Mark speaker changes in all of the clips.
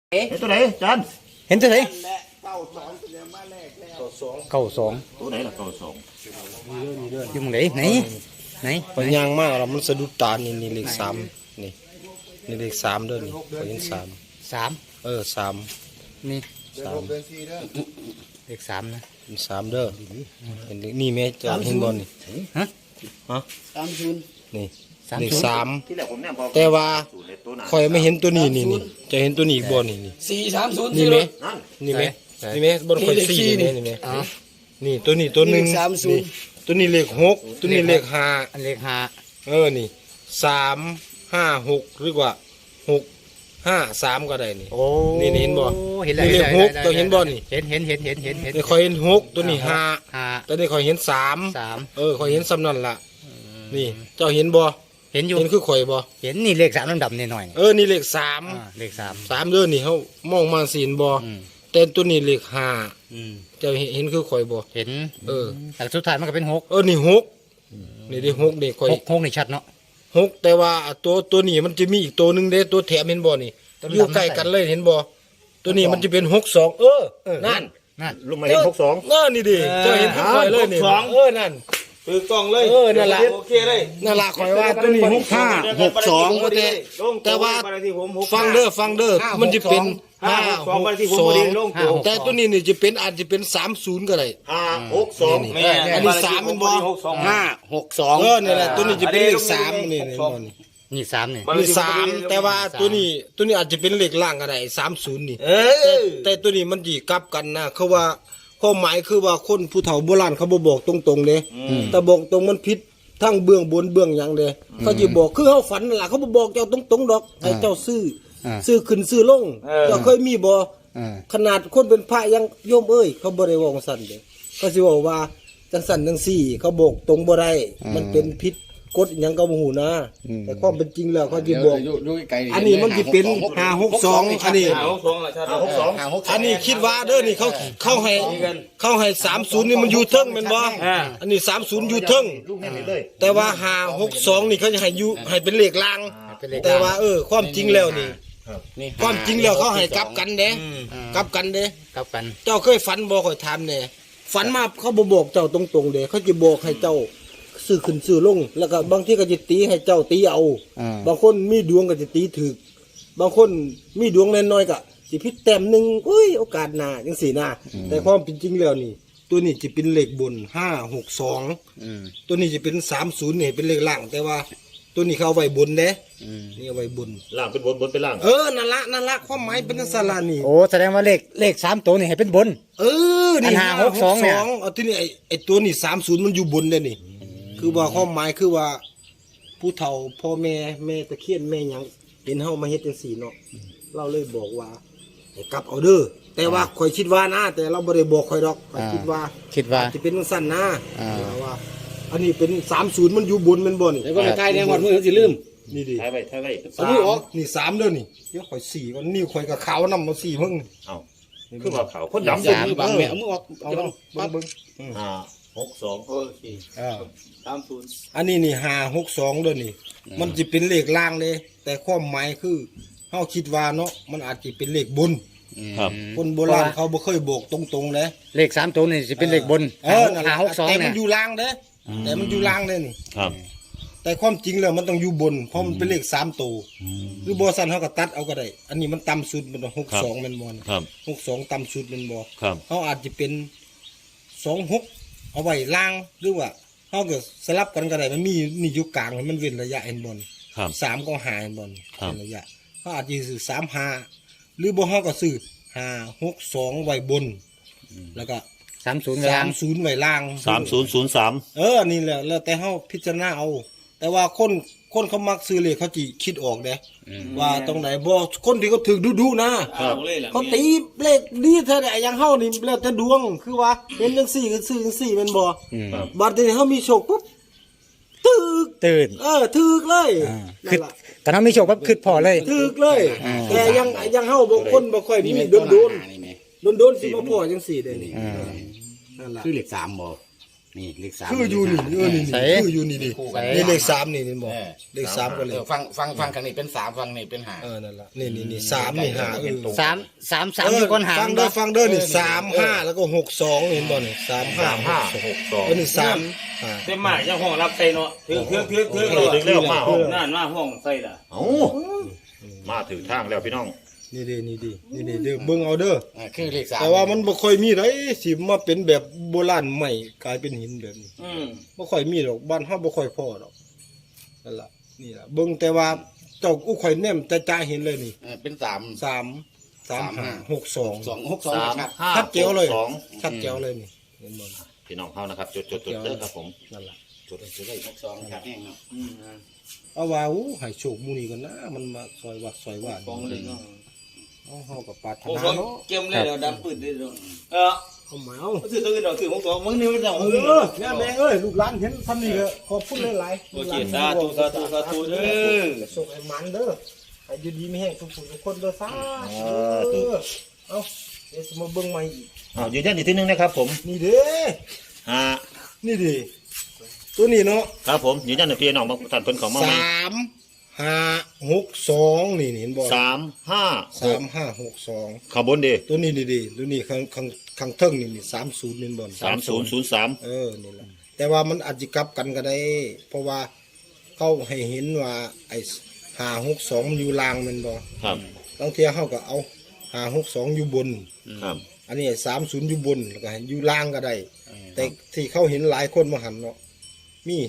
Speaker 1: เห็นตัวไหนจัน
Speaker 2: เห็นตัวไหนเก้าสอง
Speaker 1: ตัวไหนล่ะเก้าสอง
Speaker 2: อยู่มึงไหน
Speaker 3: พยางมากแล้วมันสะดุดตานี่เลขสามนี่เลขสามเด้อนี่เห็นสาม
Speaker 2: สาม
Speaker 3: สาม
Speaker 2: นี่
Speaker 3: สาม
Speaker 2: เลขสามนะ
Speaker 3: เป็นสามเด้อเห็นนี่แม่จะเห็นบอลนี่
Speaker 2: ฮะ
Speaker 3: นี่
Speaker 2: สาม
Speaker 3: เลข
Speaker 2: ศูนย์
Speaker 3: สาม
Speaker 1: ที่แรกผมเนี่ยบอก
Speaker 3: แต่ว่า
Speaker 1: ศูนย์ในตัวหนา
Speaker 3: คอยไม่เห็นตัวนี้นี่จะเห็นตัวนี้อีกบอลนี่
Speaker 4: 430
Speaker 3: นี่ไหม
Speaker 1: นั่น
Speaker 3: นี่ไหมนี่ไหมบนคอยสี่นี่ไหมนี่ตัวนี้ตัวหนึ่งนี่ตัวนี้เลขหกตัวนี้เลขห้า
Speaker 2: อันเลขห้า
Speaker 3: นี่3 5 6หรือว่า6 5 3ก็ได้นี่
Speaker 2: โอ้
Speaker 3: นี่เห็นบ่
Speaker 2: เห็นแล้ว
Speaker 3: นี่เลขหกตัวเห็นบ่นี่
Speaker 2: เห็น
Speaker 3: นี่คอยเห็นหกตัวนี้ห้า
Speaker 2: ห้า
Speaker 3: ตัวนี้คอยเห็นสาม
Speaker 2: สาม
Speaker 3: คอยเห็นซ้ำนั่นล่ะนี่เจ้าเห็นบ่
Speaker 2: เห็นอยู่
Speaker 3: เห็นคือข่อยบ่
Speaker 2: เห็นนี่เลขสามดำๆนิดหน่อย
Speaker 3: นี่เลขสาม
Speaker 2: เลขสาม
Speaker 3: สามเด้อนี่เขามองมาสีนบ่
Speaker 2: อืม
Speaker 3: แต่ตัวนี้เลขห้า
Speaker 2: อืม
Speaker 3: เจ้าเห็นคือข่อยบ่
Speaker 2: เห็น
Speaker 3: แต่
Speaker 2: แต่สุดท้ายมันก็เป็นหก
Speaker 3: นี่หกนี่ได้หกนี่ข่อย
Speaker 2: หกนี่ชัดเนาะ
Speaker 3: หกแต่ว่าตัวนี้มันจะมีอีกตัวหนึงเด้ตัวแถมเห็นบ่นี่
Speaker 2: ตัวดำ
Speaker 3: อยู่ใกล้กันเลยเห็นบ่ตัวนี้มันจะเป็น62นั่น
Speaker 2: นั่น
Speaker 1: ลุงมาเห็น62
Speaker 3: นี่ดิเจ้าเห็นคือข่อยเลยนี่นั่น
Speaker 4: ถือกล้องเลย
Speaker 3: นั่นล่ะ
Speaker 4: โอเคเลย
Speaker 3: นั่นล่ะข่อยว่าตัวนี้65 แต่ว่าฟังเด้อมันจะเป็น562แต่ตัวนี้นี่จะเป็นอาจจะเป็น30ก็ได้
Speaker 1: 562
Speaker 4: แม่
Speaker 3: อันนี้สามมันบ่
Speaker 4: 562
Speaker 3: นี่แหละตัวนี้จะเป็นเลข3นี่
Speaker 2: นี่สามนี่
Speaker 3: นี่3แต่ว่าตัวนี้อาจจะเป็นเลขล่างก็ได้30นี่แต่ตัวนี้มันสิกลับกันนะเขาว่าความหมายคือว่าคนผู้เฒ่าโบราณเขาบ่บอกตรงๆเด้แต่บอกตรงมันผิดทั้งเบื้องบนเบื้องหยังเด้เขาสิบอกคือเฮาฝันนั่นล่ะเขาบ่บอกเจ้าตรงๆดอกให้เจ้าซื้อขึ้นซื้อลงเจ้าเคยมีบ่ ขนาดคนเป็นพระยังโยมเอ้ยเขาบ่ได้เว้าจังซั่นเด้เขาสิเว้าว่าจังซั่นจังซี่เขาบอกตรงบ่ได้มันเป็นผิดกฎหยังก็บ่ฮู้นะแต่ความเป็นจริงแล้วเขาสิบอกอันนี้มันสิเป็น562อันนี้
Speaker 4: 562ล่ะชัด
Speaker 1: 562
Speaker 3: อันนี้คิดว่าเด้อนี่เขาให้30นี่มันอยู่เทิงแม่นบ่อันนี้30อยู่เทิง
Speaker 1: ลูกเห็นเลย
Speaker 3: แต่ว่า562นี่เขาจะให้อยู่ให้เป็นเลขล่าง แต่ว่าความจริงแล้วนี่ความจริงแล้วเขาให้กลับกันเด้กลับกันเด้
Speaker 2: กลับกัน
Speaker 3: เจ้าเคยฝันบ่ค่อยถามแน่ฝันมาเขาบ่บอกเจ้าตรงๆเด้เขาจะบอกให้เจ้าซื้อขึ้นซื้อลงแล้วก็บางทีก็จะตีให้เจ้าตีเอาบางคนมีดวงก็จะตีถูกบางคนมีดวงน้อยๆก็สิผิดแต้มหนึงอุ้ยโอกาสหน้าจังซี่นะแต่ความเป็นจริงแล้วนี่ ตัวนี้จะเป็นเลขบน562ตัวนี้จะเป็น30นี่เป็นเลขล่างแต่ว่าตัวนี้เขาเอาไว้บนเด้นี่เอาไว้บน
Speaker 1: ล่างเป็นบนเป็นล่าง
Speaker 3: นั่นละความหมายเป็นสารานี่
Speaker 2: โอ้แสดงว่าเลขสามตัวนี่ให้เป็นบน
Speaker 3: นี่
Speaker 2: อัน562เนี่ย
Speaker 3: เอาที่นี่ไอ้ตัวนี่30มันอยู่บนเลยนี่ คือว่าความหมายคือว่า ผู้เฒ่าพ่อแม่ตะเคียนแม่หยังเห็นเฮามาเฮ็ดจังซี่เนาะเราเลยบอกว่าให้กลับเอาเด้อแต่ว่าข่อยคิดว่านะแต่เราบ่ได้บอกข่อยดอกข่อยคิดว่าจะเป็นจังซั่นนะว่า อันนี้เป็น30มันอยู่บนแม่นบ่นี่
Speaker 4: แล้วก็ในท้ายแดงหมดมือสิลืม
Speaker 3: นี่ดิ
Speaker 1: ท้ายไว้
Speaker 3: สามนี่3เด้อนี่เดี๋ยวข่อย4ก่อนนิ้วข่อยก็ขาวนำมา4เพิ่ง
Speaker 1: เอ้าคือว่าเขาคนดำ
Speaker 4: มือบางแม่เอามือออกเอาลงปั๊บ
Speaker 3: เบิ่ง
Speaker 1: 562
Speaker 4: โอเค30
Speaker 3: อันนี้นี่562เด้อนี่ มันจะเป็นเลขล่างเลยแต่ความหมายคือเฮาคิดว่าเนาะมันอาจจะเป็นเลขบน
Speaker 1: ครับ
Speaker 3: คนโบราณเขาบ่เคยบอกตรงๆเลย
Speaker 2: เลขสามตัวนี่จะเป็นเลขบน
Speaker 3: นั่น
Speaker 2: หา
Speaker 3: ล่ะ
Speaker 2: หกสอง
Speaker 3: แต่มั
Speaker 2: เนี่
Speaker 3: น
Speaker 2: ย
Speaker 3: อยู่ล่างเด้แต่มันอยู่ล่างเด้นี่
Speaker 1: ครับ
Speaker 3: แต่ความจริงแล้วมันต้องอยู่บนเพราะมันเป็นเลข3ตัวหรือบ่ซั่นเฮาก็ตัดเอาก็ได้ อันนี้มันต่ำสุดมัน62แม่นบ่นะครับ 62ต่ำสุดแม่นบ่
Speaker 1: ครับ
Speaker 3: เฮาอาจจะเป็น26เอาไว้ล่างหรือว่าเฮาก็สลับกันก็ได้มันมีนี่อยู่กลางให้มันเว้นระยะเห็นบ่
Speaker 1: ครับ
Speaker 3: 3ก็หาเห็นบ่
Speaker 1: ครับ
Speaker 3: เป็นระยะเฮาอาจจะซื้อ35หรือบ่เฮาก็ซื้อ562ไว้บนแล้วก็
Speaker 2: 30กลาง
Speaker 3: 30ไว้ล่าง
Speaker 1: 3003
Speaker 3: นี่แหละแล้วแต่เฮาพิจารณาเอา แต่ว่าคนเขามักซื้อเลขเขาจิคิดออกเด้ว่าตรงไหนบ่คนที่เขาถึกดุๆนะเขาตีเลขดีเท่าใดอย่างเฮานี่แล้วแต่ดวงคือว่าเห็นจังซี่ก็ซื้อจังซี่แม่นบ่บัดนี้เฮามีโชคปุ๊บตึก
Speaker 2: ตื่น
Speaker 3: ถึกเลย
Speaker 2: คื
Speaker 3: นั่
Speaker 2: อน
Speaker 3: ล่ะ
Speaker 2: ตอนนั้นมีโชคปั๊บคืดพอเลย
Speaker 3: ถึกเลยแต่ยังเฮาบ่คนบ่ค่อยมีโดนๆสิมาพอจังซี่ได้นี่นั่นล่ะ
Speaker 4: คือเลข3บ่
Speaker 5: นี่เลขสาม
Speaker 3: คืออยู่นี่นี่
Speaker 2: ใส่
Speaker 3: คืออยู่นี่ดิ
Speaker 5: คู่กัน
Speaker 3: นี่เลข3นี่บอกเลข3ก็เลย
Speaker 5: ฟังข้างนี้เป็น3ฟังนี่เป็น5
Speaker 3: นั่นล่ะนี่3นี่5
Speaker 2: สามอยู่ก้นหาง
Speaker 3: ฟังเด้อนี่3 5แล้วก็6 2เห็นบ่นี่3 5 6 2นี่3
Speaker 4: เต็มมากยังห้องรับใส่เนาะเถือก
Speaker 1: ถึงแล้วมาห้อง
Speaker 4: นั่นมาห้องใส่ล่ะ
Speaker 1: เอ้ามาถึงทางแล้วพี่น้อง
Speaker 3: นี่เด้อเบิ่งเอาเด้อ
Speaker 5: คือเลข3
Speaker 3: แต่ว่ามันบ่ค่อยมีไดสิมาเป็นแบบโบราณใหม่กลายเป็นหินแบบนี้บ่ค่อยมีดอกบ้านเฮาบ่ค่อยพอดอกนั่นล่ะนี่ล่ะเบิ่งแต่ว่าเจ้าอู้ข่อยแนมจ้าๆเห็นเลยนี่
Speaker 5: เป็น3
Speaker 3: 3 5 6 2
Speaker 5: 2 6 2ครับ
Speaker 3: ชัดเจ๋วเลย
Speaker 1: สอง
Speaker 3: ชัดเจ๋วเลยนี่เห็นบ่
Speaker 1: พี่น้องเขานะครับจดเด้อครับผม
Speaker 3: นั่นล่ะ
Speaker 1: จดได้
Speaker 5: 2ครับแห้งเนาะ
Speaker 3: เอาว่าอู้ให้โชคหมู่นี้กันนะมันมาซอยวัดซอยว่า
Speaker 4: ฟองเลยเนาะ
Speaker 3: เอาเฮาก็ปรารถ
Speaker 4: โอ้
Speaker 3: นา
Speaker 4: ฟอง
Speaker 3: เนาะ
Speaker 4: เกมเลยเราดำปืนได้ด้วย
Speaker 3: เอามาเอา
Speaker 4: ถือตัวอื่นเราถือของมึงนี่มันจะ
Speaker 3: เนี่ยแม่เอ้ยลูกหลานเห็นทำนี่ก็ขอบคุณหลายๆ
Speaker 4: โอเคสาธุเด้อ
Speaker 3: ส่งไอ้มันเด้อให้อยู่ดีมีแห้งทุกผู้ทุกคนเด้อสาธุเอาเดี๋ยวสิมาเบิ่งใหม่อีก
Speaker 1: ยืนยันอีกทีนึงนะครับผม
Speaker 3: นี่เด้อ
Speaker 1: 5
Speaker 3: นี่ดิตัวนี้เนาะ
Speaker 1: ครับผมยืนยันในพี่น้องบางท่านเพิ่นของมาใหม่
Speaker 3: 3 5 6 2นี่เห็นบ่
Speaker 1: 3 5
Speaker 3: 3 5 6 2
Speaker 1: ข้างบนดิ
Speaker 3: ตัวนี้ดิตัวนี้ข้างเทิงนี่30นี่บ่
Speaker 1: 3003
Speaker 3: นี่ล่ะแต่ว่ามันอาจจะกลับกันก็ได้ เพราะว่าเขาให้เห็นว่าไอ้562มันอยู่ล่างแม่นบ่
Speaker 1: ครับ
Speaker 3: บางเที่ยเฮาก็เอา562อยู่บน
Speaker 1: ครับ
Speaker 3: อันนี้30อยู่บนแล้วก็ให้อยู่ล่างก็ได้ แต่ที่เขาเห็นหลายคนมาหันเนาะมี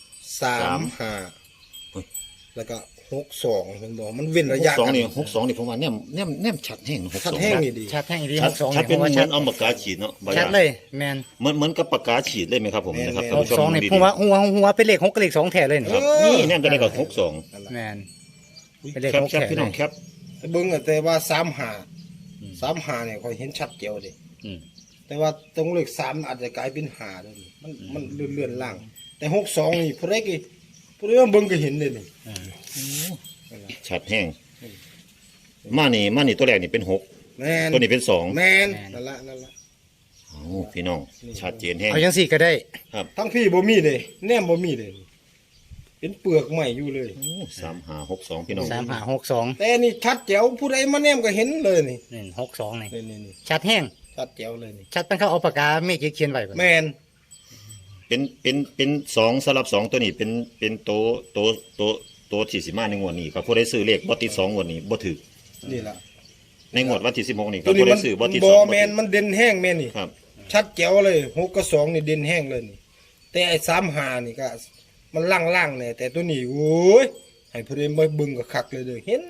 Speaker 3: 35แล้วก็62เห็นบ่มันเว้นระยะ
Speaker 1: 62
Speaker 3: กัน
Speaker 1: นี่62นี่ผมว่าแนมชัดแห้ง62
Speaker 3: ชัดแห้งนี่ดี
Speaker 2: ชัดแห้งดี
Speaker 1: ชัด
Speaker 2: 62
Speaker 1: ชัด
Speaker 2: นี่
Speaker 1: เป็น
Speaker 2: ผม
Speaker 1: เหมื
Speaker 2: ว่า
Speaker 1: อน
Speaker 2: ชัด
Speaker 1: เอาปากกาฉีดเนาะบ่
Speaker 2: ชัดเลยแมน
Speaker 1: เหมือนกับปากกาฉีดเลยไหมครับผมนะครับท่านผู้ชม
Speaker 2: 62นี่
Speaker 1: ดี
Speaker 2: ผมว่าหัวเป็นเลข6กับเลข2แท้เลยนี่
Speaker 1: ๆครับนี่แนมจะได้กับ62
Speaker 2: แมนเป็นเลข
Speaker 1: แคป
Speaker 2: 6
Speaker 1: แคป
Speaker 2: แท้
Speaker 1: พี่
Speaker 2: เล
Speaker 1: น้อง
Speaker 2: ย
Speaker 1: แคป
Speaker 3: เบิ่งอะแต่ว่า35เนี่ยค่อยเห็นชัดเจียวเด้
Speaker 1: อืม
Speaker 3: แต่ว่าตรงเลข3อาจจะกลายเป็น5เด้อนี่มันเลื่อนๆล่าง แต่62นี่ผู้ใดว่าเบิ่งก็เห็นเลยนี่
Speaker 1: ชัดแห้งมานี่ตัวแรกนี่เป็น6
Speaker 3: แม่น
Speaker 1: ตัวนี้เป็น2
Speaker 3: แม่นนั่นละ
Speaker 1: เอาพี่น้องชัดเจนแห้ง
Speaker 2: เอาจังสี่ก็ได้
Speaker 3: ทั้งพี่บ่มีเลยแนมบ่มีเลยเป็นเปลือกใหม่อยู่เลย
Speaker 1: 3562พี่น้อง
Speaker 2: 3562
Speaker 3: แต่นี่ชัดแจ๋วผู้ใดมาแนมก็เห็นเลยนี่
Speaker 2: นี่62นี่
Speaker 3: นี่
Speaker 2: ชัดแห้ง
Speaker 3: ชัดแจ๋วเลยนี่
Speaker 2: ชัดเป็นเขาเอาปากกาเมฆเขียนไว้บ่
Speaker 3: แม่น
Speaker 1: เป็น2สลับ2ตัวนี้เป็นตัวที่สิมาในงวดนี้ครับผู้ใดซื้อเลขบ่ติด2งวดนี้บ่ถูก
Speaker 3: นี่ล่ะ
Speaker 1: ในงวดวันที่16นี่ค
Speaker 3: ตั
Speaker 1: รั
Speaker 3: ว
Speaker 1: บ
Speaker 3: นี้
Speaker 1: ผู้ใด
Speaker 3: มัน
Speaker 1: ซื้อบ่ติด
Speaker 3: บ่
Speaker 1: 2
Speaker 3: แม่นมันเด่นแห้งแม่นี่
Speaker 1: ครับ
Speaker 3: ชัดแจ๋วเลย6กับ2นี่เด่นแห้งเลยนี่ แต่ไอ้35นี่ก็มันล่างๆเนี่ยแต่ตัวนี้โอ้ยให้ผู้ใดมาเบิ่งก็คักเลยเด้อเห็น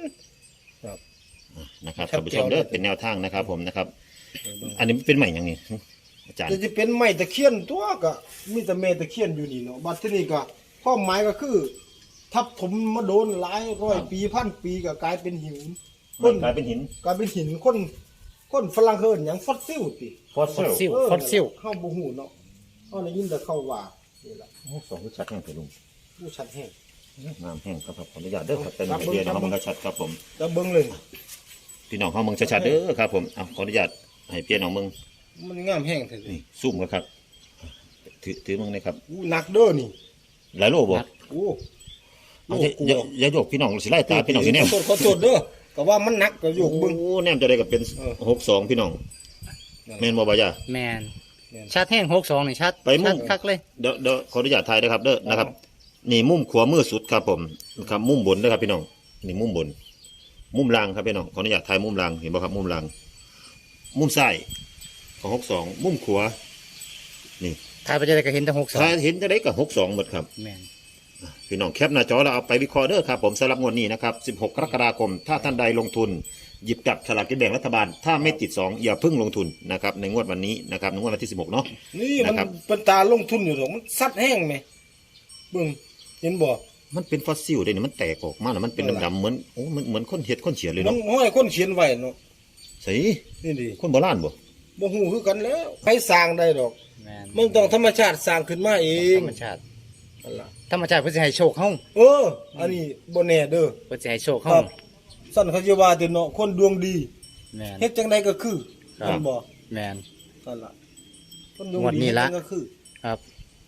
Speaker 1: นะครับ
Speaker 3: ชัด
Speaker 1: ท่านผู้ช
Speaker 3: เจน
Speaker 1: มเด้อ
Speaker 3: เลย
Speaker 1: เป็นแนวทางนะครับผมนะครับ อันนี้เป็นใหม่ยังนี่อาจารย์
Speaker 3: จะเป็นไม้ตะเคียนตัวก็มีแต่แม่ตะเคียนอยู่นี่เนาะบัดทีนี้ก็ความหมายก็คือ ทับถมมาโดนหลายร้อยปีพันปีก็กลายเป็นหิน
Speaker 1: มันกลายเป็นหิน
Speaker 3: กลายเป็นหินคนฝรั่งเฮินหยังฟอสซิลติ
Speaker 1: ฟอสซิล
Speaker 2: ฟอสซิล
Speaker 3: เฮาบ่ฮู้เนาะเฮาได้ยินแต่เขาว่านี่ล่ะ
Speaker 1: สองชัดแห้งไปลุง
Speaker 3: ผู้ชัดแห้ง
Speaker 1: น้ำแห้งครับขออนุญาตเด้อครับเป็น
Speaker 3: ครับ
Speaker 1: เดียวนะครับ
Speaker 3: เบิ่
Speaker 1: มัน
Speaker 3: ง
Speaker 1: ก็ชัดครับผม
Speaker 3: แล้วเบิ่งเลย
Speaker 1: พี่น้องเขาเมืองชัดๆเด้อครับผมเอาขออนุญาตให้เปลี่ยนน้องเมือง
Speaker 3: มันงามแห้งแท้
Speaker 1: นี่ซูมกันครับถือเมืองนะครับ
Speaker 3: อู้หนักเด้อนี่
Speaker 1: หลายโลบ่
Speaker 3: โอ้
Speaker 1: เอาอย่าโยกพี่น้องสิไล่ตาพี่น้องสิแนม
Speaker 3: ขอโทษเด้อก็ว่ามันหนักก็ยกเบิ่ง
Speaker 1: โอ้แนมจะได้กับเป็น62พี่น้องแม่นบ่บ่ย่า
Speaker 2: แมนชัดแห้ง62นี่ชัด
Speaker 1: ไปมุ่
Speaker 2: ชั
Speaker 1: ง
Speaker 2: ดคักเลย
Speaker 1: เดี๋ยวขออนุญาตถ่ายนะครับเด้อนะครับ นี่มุมขวามือสุดครับผมครับมุมบนนะครับพี่น้องนี่มุมบน มุมล่างครับพี่น้องขออนุญาตถ่ายมุมล่างเห็นบ่ครับมุมล่างมุมซ้ายของ62มุมขวานี่
Speaker 2: ถ่ายไปจะได้ก็เห็นแต่
Speaker 1: ถ้าเห็นจะได้กับ62หมดครับ
Speaker 2: 62แมน
Speaker 1: พี่น้องแคปหน้าจอแล้วเอาไปวิเคราะห์เด้อครับผมสำหรับงวดนี้นะครับ16กรกฎาคมถ้าท่านใดลงทุนหยิบจับฉลากกินแบ่งรัฐบาล ถ้าไม่ติด2อย่าเพิ่งลงทุนนะครับในงวดวันนี้นะครับในงวดวันที่16เนาะ
Speaker 3: นี่มัน
Speaker 1: นะครับ
Speaker 3: เป็นตาลงทุนอยู่ดอกมันซัดแห้งไหมเบิ่งเห็นบ่
Speaker 1: มันเป็นฟอสซิลเด้นี่มันแตกออกมาแล้วมันเป็นดำๆเหมือนโอ้มันเหมือนคนเห็ดคนเฉียดเลย
Speaker 3: มัน
Speaker 1: เนาะ
Speaker 3: ห้อยคนเขียนไว้เนาะ
Speaker 1: ใส่
Speaker 3: นี่ดิ
Speaker 1: คนโบราณบ่
Speaker 3: บ่ฮู้คือกันแล้วใครสร้างได้ดอก
Speaker 2: แมน
Speaker 3: มันต้องธรรมชาติสร้างขึ้นมาเอง
Speaker 2: ธรรมชาติ
Speaker 3: นั่นล่ะ
Speaker 2: ธรรมชาติเพิ่นสิให้โชคเฮา
Speaker 3: อันนี้บ่แน่เด้อ
Speaker 2: เพิ่นสิให้โชค
Speaker 3: ค
Speaker 2: เฮา
Speaker 3: รับสั่นเขาจะว่าแต่เนาะคนดวงดี
Speaker 2: แมน
Speaker 3: เฮ็ดจังไดก็คือ
Speaker 2: ครับ
Speaker 3: นั่นบ่
Speaker 2: แมน
Speaker 3: นั่นล่ะคนดวง
Speaker 2: งวด
Speaker 3: ดี
Speaker 2: นี้ละ
Speaker 3: เฮ็ดจังก็คือ
Speaker 2: ครับ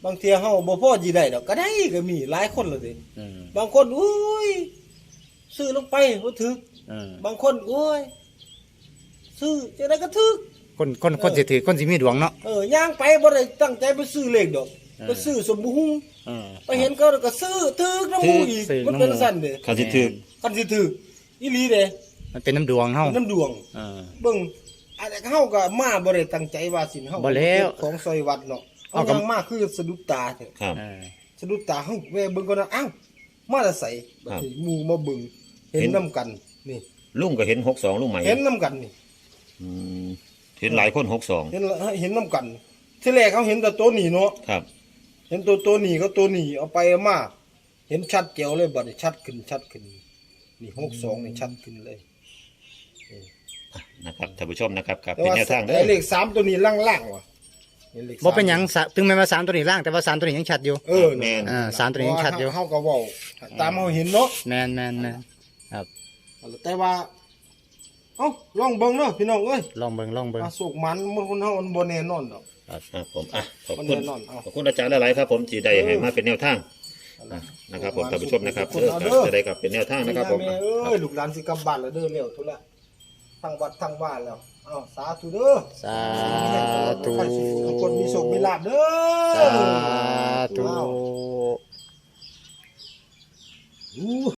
Speaker 3: บางเทีเฮาบ่พอสิได้ดอกก็ได้ก็มีหลายคนแล้วเด้
Speaker 2: อืม
Speaker 3: บางคนอุ้ยซื้อลงไปบ่ถึก
Speaker 2: อืม
Speaker 3: บางคนโอ้ยซื้อจังได๋ก็ถึก
Speaker 2: คนสิถือคนสิมีดวงเนาะ
Speaker 3: ย่างไปบ่ได้ตั้งใจไปซื้อเลขดอกไปซื้อสมบูรณ์
Speaker 2: อืม
Speaker 3: ไปเห็นเขาแล้วก็ซื้อถึกน้ำหมูอีก
Speaker 2: ซื้อ
Speaker 3: มันเป็น
Speaker 2: น้ำหมู่
Speaker 3: สั่นเด้
Speaker 1: คันสิถึก
Speaker 3: คันสิถึกอีหลีเด้
Speaker 2: มันเป็นน้ำดวงเฮา
Speaker 3: น้ำดวง
Speaker 2: อ่า
Speaker 3: เบิ่งอันเฮาก็มาบ่ได้ตั้งใจว่าสิเฮา
Speaker 2: บ่แล้ว
Speaker 3: ของซอยวัดเนาะเอา
Speaker 2: เอาก็
Speaker 3: ยังมาคือสะดุดตาเถอะ
Speaker 1: ครับ
Speaker 2: อ่า
Speaker 3: สะดุดตาเฮาแวะเบิ่งก่อนนะอ้าวมาแต่ไสบัดนี้หมู่มาเบิ่งเห็นนํกันนี่
Speaker 1: ลุงก็เห็น62ลุงใหม่
Speaker 3: เห็นนํกันนี่
Speaker 1: อืมเห็นหลายคน62
Speaker 3: เห็นนํกันที่แรกเขาเห็นแต่ตัวนี้เนาะ
Speaker 1: ครับ
Speaker 3: เห็นตัวนี้ก็ตัวนี้เอาไปเอามาเห็นชัดเจ๋วเลยบัดนี้ชัดขึ้นนี่62นี่ชัดขึ้นเลย
Speaker 1: นะครับท่านผู้ชมนะครับครับ
Speaker 3: แต่
Speaker 1: เป็น
Speaker 3: ว่า
Speaker 1: แนวทางเด้
Speaker 3: ไอ้
Speaker 1: อ
Speaker 3: เลข3ตัวนี้ล่างๆว่ะห็ลข
Speaker 2: บ่เป็นหยัง
Speaker 3: สาม
Speaker 2: ถึงแม้ว่า3ตัวนี้ล่างแต่ว่า3ตัวนี้ยังชัดอยู่
Speaker 1: แม่น
Speaker 2: อ่าสามตัวนี้ยังชัดอยู่
Speaker 3: เฮาก็เว้าตามเฮาเห็นเนาะ
Speaker 2: แม่นครับ
Speaker 3: แต่ว่าเอ้าลองเบิ่งเนาะพี่น้องเอ้ย
Speaker 2: ลองเบิ่ง
Speaker 3: สุกมันมันคนเฮามันบ่แน่นอนดอก
Speaker 1: ครับผมอ่ะขอบ
Speaker 3: มัน
Speaker 1: คุ
Speaker 3: แน่
Speaker 1: ณ
Speaker 3: นอนเอา
Speaker 1: ขอบคุณอาจารย์หลายๆครับ ผมที่ได้ให้มาเป็นแนวทางนะครับผมท่านผู้ชมนะครับจะได้กับเป็นแนวทางนะครับผม
Speaker 3: แม่เอ้ยลูกหลานสิกลับบ้านแล้วเด้อแล้วทุละทั้งวัดทั้งบ้านแล้วเอ้าสาธุเด้อ
Speaker 2: สาธุ
Speaker 3: ทุกคนมีโชคมีลาภเด้อ
Speaker 2: สาธุ
Speaker 3: อู้